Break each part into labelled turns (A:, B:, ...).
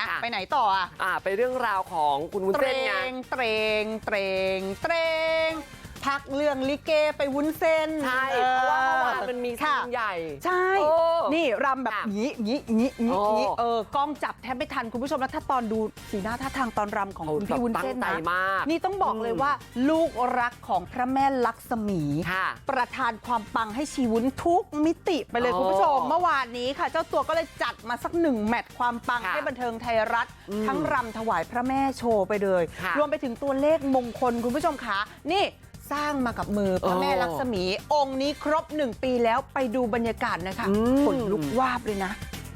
A: ไปไหนต่อ
B: ไปเรื่องราวของคุณวุ้นเส้นไง
A: เตรงพักเรื่องลิเกไปวุ้นเส้น
B: ใช่เพราะว่าเมื่อวานมันมีซีนใหญ่
A: ใช่นี่รำแบบงี้กล้องจับแทบไม่ทันคุณผู้ชมแล้วถ้าตอนดูสีหน้าท่าทางตอนรำของคุณพี่วุ้นเส้นนะนี่ต้องบอกเลยว่าลูกรักของพระแม่ลักษมีประทานความปังให้ชีวุ้นทุกมิติไปเลยคุณผู้ชมเมื่อวานนี้ค่ะเจ้าตัวก็เลยจัดมาสัก1 แมตช์ความปังให้บันเทิงไทยรัฐทั้งรำถวายพระแม่โชว์ไปเลยรวมไปถึงตัวเลขมงคลคุณผู้ชมขานี่สร้างมากับมือพระแม่ลักษมีองค์นี้ครบ1 ปีแล้วไปดูบรรยากาศนะคะขนลุกวาบเลยนะ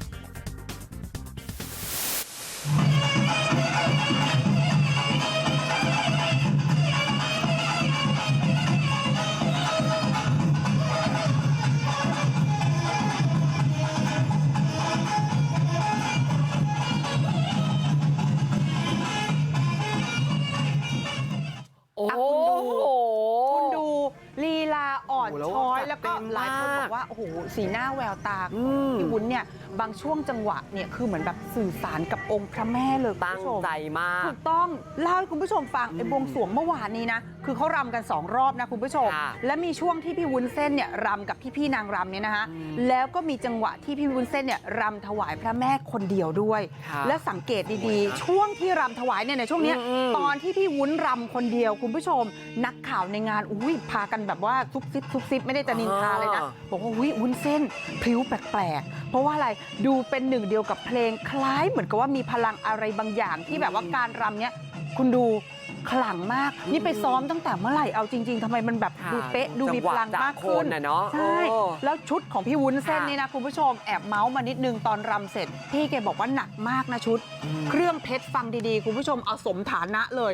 A: คุณดูลีลาอ่อนช้อยแล้วก็หลายคนบอกว่าโอ้โหสีหน้าแววตาของพี่วุ้นเนี่ยบางช่วงจังหวะเนี่ยคือเหมือนแบบสื่อสารกับองค์พระแม่เลย
B: ตั้งใจมาก
A: ถูกต้องเล่าให้คุณผู้ชมฟังไอ้บวงสรวงเมื่อวานนี้นะคือเขารำกัน2 รอบนะคุณผู้ชมและมีช่วงที่พี่วุ้นเส้นเนี่ยรำกับพี่นางรำเนี่ยนะคะแล้วก็มีจังหวะที่พี่วุ้นเส้นเนี่ยรำถวายพระแม่คนเดียวด้วยและสังเกตดีๆช่วงที่รำถวายเนี่ยในช่วงนี้ตอนที่พี่วุ้นรำคนเดียวคุณผู้ชมนักข่าวในงานพากันแบบว่าซุบซิบไม่ได้จะนินทาเลยนะบอกว่าวุ้นเส้นพริ้วแปลกๆเพราะว่าอะไรดูเป็นหนึ่งเดียวกับเพลงคล้ายเหมือนกับว่ามีพลังอะไรบางอย่างที่แบบว่าการรำเนี้ยคุณดูขลังมากนี่ไปซ้อมตั้งแต่เมื่อไหร่เอาจริงๆทำไมมันแบบดูเป๊ะดูมีพลังมากขึ้นใช่แล้วชุดของพี่วุ้นเส้นนี่นะคุณผู้ชมแอบเมาส์มานิดนึงตอนรำเสร็จพี่แกบอกว่าหนักมากนะชุดเครื่องเพชรฟังดีๆคุณผู้ชมเอาสมฐานะเลย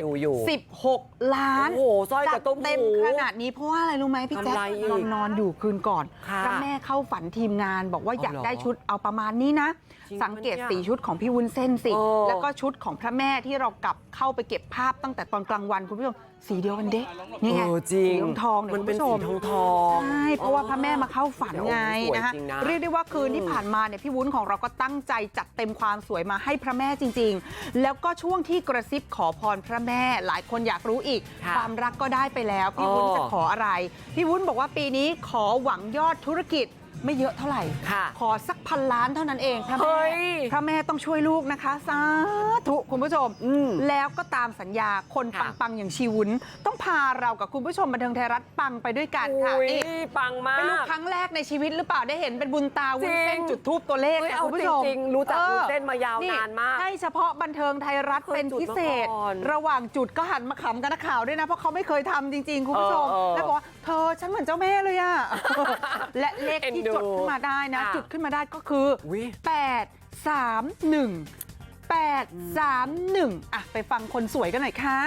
A: 16 ล้าน
B: โอ้โหสร้อยกับต้มหู
A: เต็มขนาดนี้เพราะว่าอะไรรู้ไหมพี่แจ๊คนอนอยู่คืนก่อนพระแม่เข้าฝันทีมงานบอกว่าอยากได้ชุดเอาประมาณนี้นะสังเกตสีชุดของพี่วุ้นเส้นสิแล้วก็ชุดของพระแม่ที่เรากลับเข้าไปเก็บภาพตั้งแต่ตอนกลางวันคุณผู้ชมสีเดียวกันเด้นี่ไง
B: สี
A: ทอง
B: มันเป็นสีทอง
A: ใช่เพราะว่าพระแม่มาเข้าฝันไงนะคะเรียกได้ว่าคืนที่ผ่านมาเนี่ยพี่วุ้นของเราก็ตั้งใจจัดเต็มความสวยมาให้พระแม่จริงๆแล้วก็ช่วงที่กระซิบขอพรพระแม่หลายคนอยากรู้อีกความรักก็ได้ไปแล้วพี่วุ้นจะขออะไรพี่วุ้นบอกว่าปีนี้ขอหวังยอดธุรกิจไม่เยอะเท่าไหร่ขอสัก1,000 ล้านเท่านั้นเองพระแม่ต้องช่วยลูกนะคะสาธุคุณผู้ชมแล้วก็ตามสัญญาคนปังอย่างชีวุ้นต้องพาเรากับคุณผู้ชมบันเทิงไทยรัฐปังไปด้วยกันค่ะ
B: นี่ปังมาก
A: เป็นลูกครั้งแรกในชีวิตหรือเปล่าได้เห็นเป็นบุญตาวุ้นเส้นจุดทูบตัวเลขคุณผู้ชม
B: จริงรู้จักวุ้นเส้นมายาวนานมาก
A: ให้เฉพาะบันเทิงไทยรัฐเป็นพิเศษระหว่างจุดก็หันมาขำกันนักข่าวด้วยนะเพราะเขาไม่เคยทำจริงๆคุณผู้ชมแล้วบอกว่าเธอฉันเหมือนเจ้าแม่เลยอะและเลขที่จดขึ้นมาได้นะจุดขึ้นมาได้ก็คือ831ไปฟังคนสวยกันหน่อยค่ะ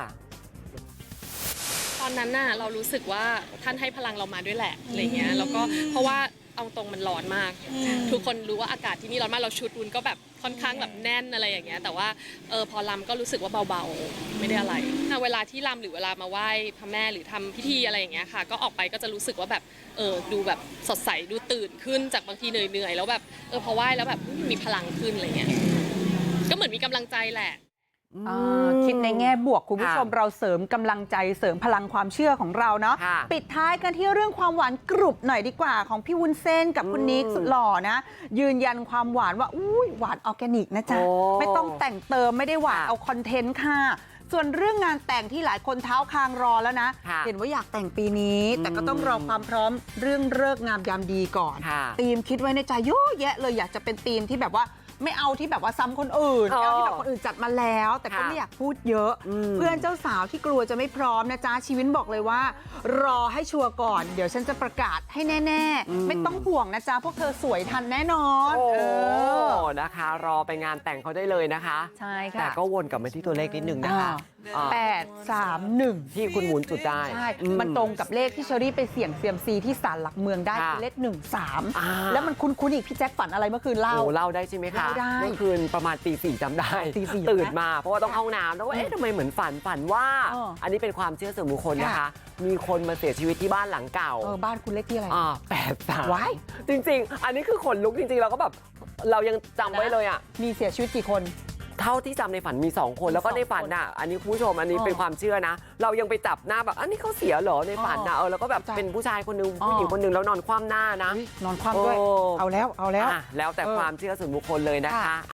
C: ตอนนั้นน่ะเรารู้สึกว่าท่านให้พลังเรามาด้วยแหละอะไรเงี้ยแล้วก็เพราะว่าเอาตรงมันร้อนมากทุกคนรู้ว่าอากาศที่นี่ร้อนมากเราชุดวุ้นก็แบบค่อนข้างแบบแน่นอะไรอย่างเงี้ยแต่ว่าพอรำก็รู้สึกว่าเบาๆไม่ได้อะไรเวลาที่รำหรือเวลามาไหว้พระแม่หรือทำพิธีอะไรอย่างเงี้ยค่ะก็ออกไปก็จะรู้สึกว่าแบบดูแบบสดใสดูตื่นขึ้นจากบางทีเหนื่อยแล้วแบบพอไหว้แล้วแบบมีพลังขึ้นอะไรเงี้ยก็เหมือนมีกำลังใจแหละ
A: คิดในแง่บวกคุณผู้ชมเราเสริมกำลังใจเสริมพลังความเชื่อของเราเนาะปิดท้ายกันที่เรื่องความหวานกรุบหน่อยดีกว่าของพี่วุ้นเส้นกับคุณนิกสุดหล่อนะยืนยันความหวานว่าหวานออร์แกนิกนะจ๊ะไม่ต้องแต่งเติมไม่ได้หวานเอาคอนเทนต์ค่ะส่วนเรื่องงานแต่งที่หลายคนเท้าคางรอแล้วนะเห็นว่าอยากแต่งปีนี้แต่ก็ต้องรอความพร้อมเรื่องฤกษ์งามยามดีก่อนธีมคิดไว้ในใจเยอะแยะเลยอยากจะเป็นธีมที่แบบว่าไม่เอาที่แบบว่าซ้ำคนอื่นเอาที่แบบคนอื่นจัดมาแล้วแต่ก็ไม่อยากพูดเยอะเพื่อนเจ้าสาวที่กลัวจะไม่พร้อมนะจ๊ะชีวินบอกเลยว่ารอให้ชัวร์ก่อนเดี๋ยวฉันจะประกาศให้แน่ๆไม่ต้องห่วงนะจ๊ะพวกเธอสวยทันแน่นอน
B: นะคะรอไปงานแต่งเขาได้เลยนะคะ
A: ใช่ค่ะ
B: แต่ก็วนกลับมาที่ตัวเลขนิดนึงนะคะ
A: 831
B: ที่คุณวุ้นจุดได้
A: ใช่มันตรงกับเลขที่เชอรี่ไปเสี่ยงเซียมซีที่ศาลหลักเมืองได้คือเลข13แล้วมันคุ้นๆอีกพี่แจ็คฝันอะไรเมื่อคืนเล่า
B: ได้ใช่ไหมคะ
A: เ
B: มื่อคืนประมาณตี 4จำได้ตื่นมาเพราะว่าต้องเข้าน้ำแล้วว่าทำไมเหมือนฝันว่าอันนี้เป็นความเชื่อส่วนบุคคลนะคะมีคนมาเสียชีวิตที่บ้านหลังเก่า
A: บ้านคุณเลขที่อะไร
B: 83ว้ายจริงๆอันนี้คือขนลุกจริงๆเราก็แบบเรายังจำไว้เลยอ่ะ
A: มีเสียชีวิตกี่คน
B: ท่าที่จำในฝันมี2คนแล้วก็ในฝันน่ะอันนี้คุณผู้ชมอันนี้เป็นความเชื่อนะเรายังไปจับหน้าแบบอันนี้เขาเสียเหรอในฝันนะแล้วก็แบบเป็นผู้ชายคนนึงผู้หญิงคนนึงแล้วนอนคว่ำหน้านะ
A: นอนคว่ำด้วยเอาแล้ว
B: แล้วแต่ความเชื่อส่วนบุคคลเลยนะคะ